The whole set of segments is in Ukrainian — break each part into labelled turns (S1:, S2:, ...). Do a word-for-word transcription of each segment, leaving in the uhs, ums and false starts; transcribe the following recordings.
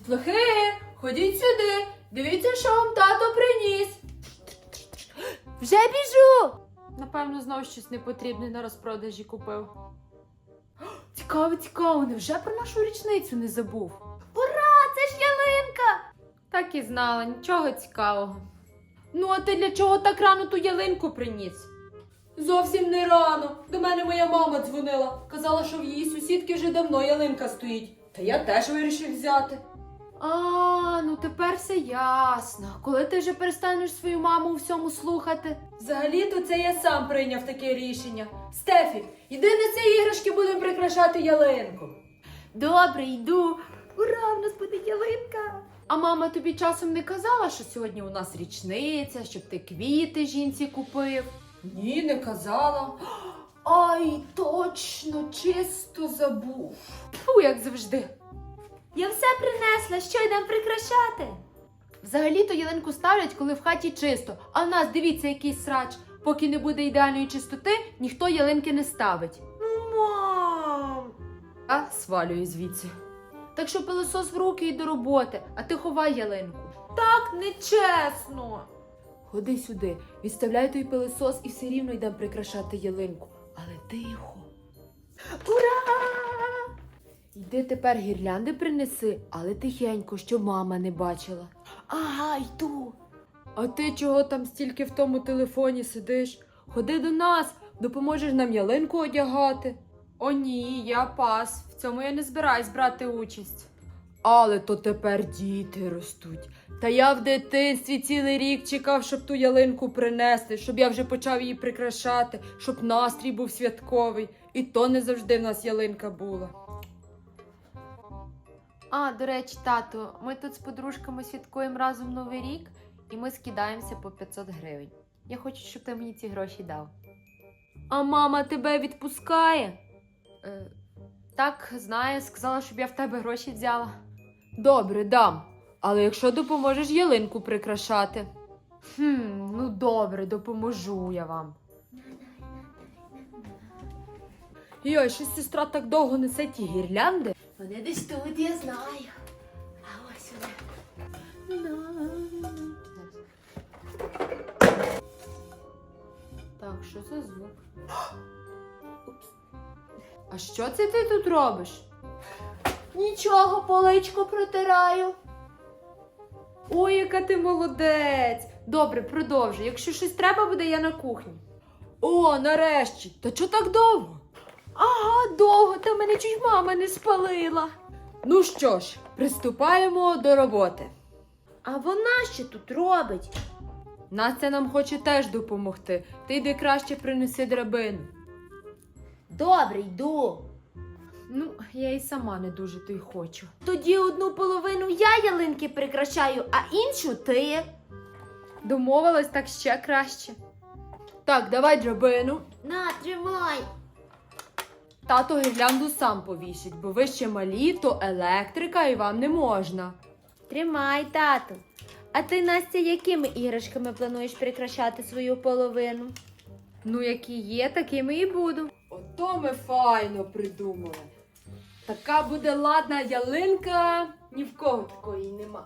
S1: Дітлахи, ходіть сюди. Дивіться, що вам тато приніс.
S2: Вже біжу!
S1: Напевно, знов щось непотрібне на розпродажі купив. Цікаво, цікаво, невже про нашу річницю не забув?
S2: Ура, це ж ялинка!
S1: Так і знала, нічого цікавого. Ну, а ти для чого так рано ту ялинку приніс? Зовсім не рано. До мене моя мама дзвонила. Казала, що в її сусідки вже давно ялинка стоїть. Та я теж вирішив взяти. А, ну тепер все ясно. Коли ти вже перестанеш свою маму у всьому слухати? Взагалі-то це я сам прийняв таке рішення. Стефі, іди неси іграшки, будемо прикрашати ялинку.
S2: Добре, йду. Ура, в нас буде ялинка!
S1: А мама тобі часом не казала, що сьогодні у нас річниця, щоб ти квіти жінці купив? Ні, не казала. Ай, точно, чисто забув. Фу, як завжди.
S2: Я все принесла, що йдемо прикрашати?
S1: Взагалі-то ялинку ставлять, коли в хаті чисто. А в нас, дивіться, який срач. Поки не буде ідеальної чистоти, ніхто ялинки не ставить.
S2: Ну, мам!
S1: А свалюю звідси. Так що пилосос в руки і до роботи, а ти ховай ялинку.
S2: Так нечесно!
S1: Ходи сюди, відставляй той пилосос і все рівно йдемо прикрашати ялинку. Але тихо.
S2: Ура!
S1: Йди тепер гірлянди принеси, але тихенько, щоб мама не бачила.
S2: Ага, йду.
S1: А ти чого там стільки в тому телефоні сидиш? Ходи до нас, допоможеш нам ялинку одягати. О ні, я пас. В цьому я не збираюсь брати участь. Але то тепер діти ростуть. Та я в дитинстві цілий рік чекав, щоб ту ялинку принесли, щоб я вже почав її прикрашати, щоб настрій був святковий. І то не завжди в нас ялинка була. А, до речі, тату, ми тут з подружками святкуємо разом Новий рік, і ми скидаємося по п'ятсот гривень. Я хочу, щоб ти мені ці гроші дав. А мама тебе відпускає? Е, так, знаю, сказала, щоб я в тебе гроші взяла. Добре, дам. Але якщо допоможеш ялинку прикрашати. Хм, ну добре, допоможу я вам. Йой, щось сестра так довго несе ті гірлянди.
S2: Вони десь тут, я знаю. А ось вони.
S1: Так, що за звук? Упс. А що це ти тут робиш?
S2: Нічого, поличку протираю.
S1: Ой, яка ти молодець! Добре, продовжуй. Якщо щось треба буде, я на кухні. О, нарешті! Та чого так довго?
S2: Ага, довго, та мене чуть мама не спалила.
S1: Ну що ж, приступаємо до роботи.
S2: А вона що тут робить?
S1: Настя нам хоче теж допомогти. Ти йди краще принеси драбину.
S2: Добре, йду.
S1: Ну, я і сама не дуже то й хочу.
S2: Тоді одну половину я ялинки прикрашаю, а іншу ти.
S1: Домовилась, так ще краще. Так, давай драбину.
S2: На, тримай.
S1: Тато гірлянду сам повісить, бо ви ще малі, то електрика і вам не можна.
S2: Тримай, тату. А ти, Настя, якими іграшками плануєш прикрашати свою половину?
S1: Ну, які є, такими і буду. Ото ми файно придумали. Така буде ладна ялинка, ні в кого такої нема.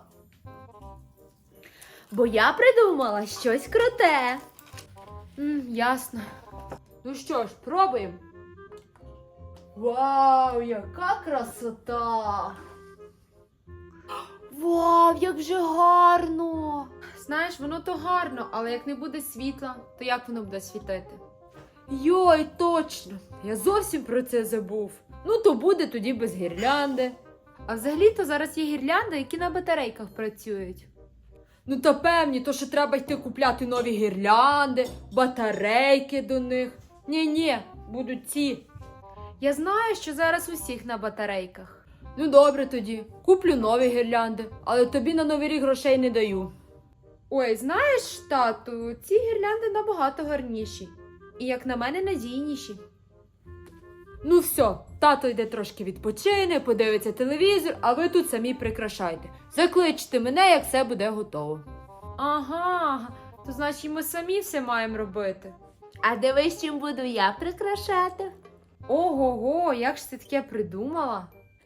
S2: Бо я придумала щось круте.
S1: М, ясно. Ну що ж, пробуємо. Вау, яка красота!
S2: Вау, як же гарно!
S1: Знаєш, воно то гарно, але як не буде світла, то як воно буде світити? Йой, точно! Я зовсім про це забув. Ну, то буде тоді без гірлянди. А взагалі-то зараз є гірлянди, які на батарейках працюють. Ну, та певні, то що треба йти купляти нові гірлянди, батарейки до них. Ні-ні, будуть ці. Я знаю, що зараз усіх на батарейках. Ну, добре тоді, куплю нові гірлянди, але тобі на Новий рік грошей не даю. Ой, знаєш, тату, ці гірлянди набагато гарніші. І, як на мене, надійніші. Ну все, тато йде трошки відпочине, подивиться телевізор, а ви тут самі прикрашайте. Закличте мене, як все буде готово. Ага, то значить ми самі все маємо робити.
S2: А дивись, чим буду я прикрашати.
S1: Ого-го, як ж ти таке придумала?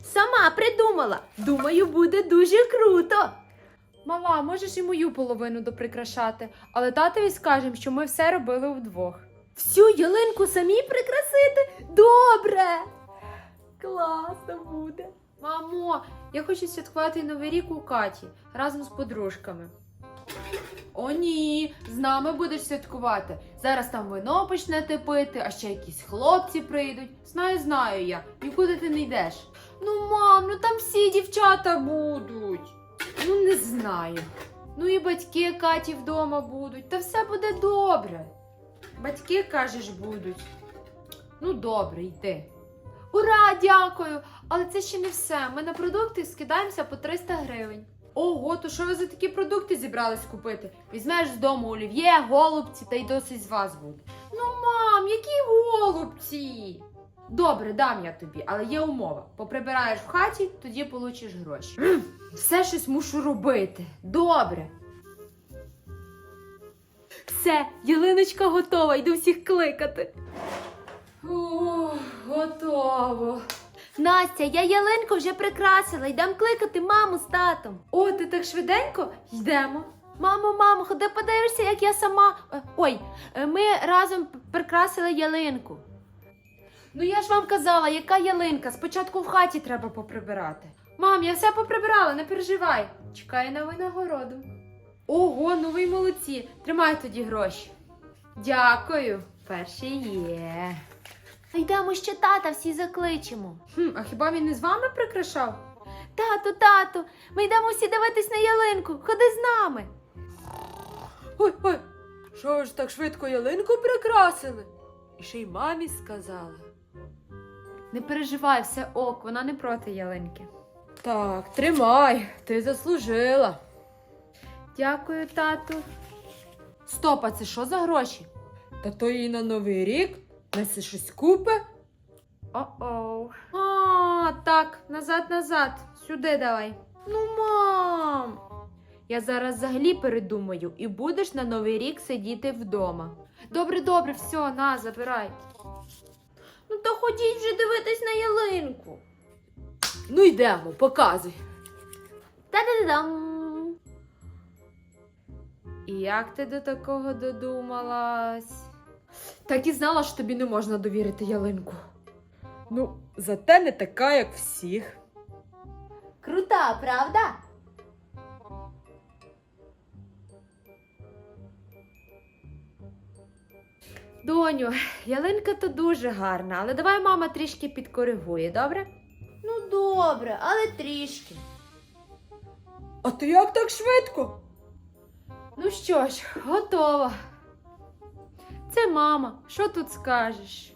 S2: Сама придумала. Думаю, буде дуже круто.
S1: Мала, можеш і мою половину доприкрашати, але татові скажемо, що ми все робили вдвох.
S2: Всю ялинку самі прикрасити? Добре. Класно буде.
S1: Мамо, я хочу святкувати Новий рік у Каті разом з подружками. О, ні, з нами будеш святкувати. Зараз там вино почнете пити, а ще якісь хлопці прийдуть. Знаю, знаю я. Нікуди ти не йдеш. Ну, мам, ну там всі дівчата будуть. Ну, не знаю. Ну і батьки Каті вдома будуть. Та все буде добре. Батьки, кажеш, будуть. Ну, добре, йди. Ура, дякую! Але це ще не все. Ми на продукти скидаємося по триста гривень. Ого, то що ви за такі продукти зібрались купити? Візьмеш з дому олів'є, голубці, та й досить з вас буде. Ну, мам, які голубці? Добре, дам я тобі, але є умова. Поприбираєш в хаті, тоді получиш гроші. М, Все щось мушу робити. Добре.
S2: Все, ялиночка готова, йду всіх кликати.
S1: О, готово.
S2: Настя, я ялинку вже прикрасила, йдем кликати маму з татом.
S1: О, ти так швиденько? Йдемо.
S2: Мамо, мамо, ходи подивишся, як я сама. е, Ой, е, ми разом п- прикрасили ялинку.
S1: Ну я ж вам казала, яка ялинка? Спочатку в хаті треба поприбирати. Мам, я все поприбирала, не переживай. Чекаю на винагороду. Ого, ну ви й молодці. Тримай тоді гроші. Дякую. Перші є.
S2: Йдемо ще тата, всі закличемо.
S1: Хм, а хіба він не з вами прикрашав?
S2: Тату, тату, ми йдемо всі дивитись на ялинку. Ходи з нами.
S1: Ой, ой, що ви ж так швидко ялинку прикрасили? І ще й мамі сказали. Не переживай, все ок, вона не проти ялинки. Так, тримай, ти заслужила. Дякую, тату. Стоп, а це що за гроші? Та то їй на Новий рік несе щось купи. О-оу. А, так, назад, назад. Сюди давай. Ну, мам. Я зараз взагалі передумаю і будеш на Новий рік сидіти вдома. Добре, добре, все, на, забирай.
S2: Ну то ходіть вже дивитись на ялинку.
S1: Ну йдемо, показуй.
S2: Та-да-да-дам.
S1: І як ти до такого додумалась? Так і знала, що тобі не можна довірити ялинку. Ну, зате не така, як всіх.
S2: Крута, правда?
S1: Доню, ялинка то дуже гарна, але давай мама трішки підкоригує, добре?
S2: Ну добре, але трішки.
S1: А ти як так швидко? Ну що ж, готово. Це мама, що тут скажеш?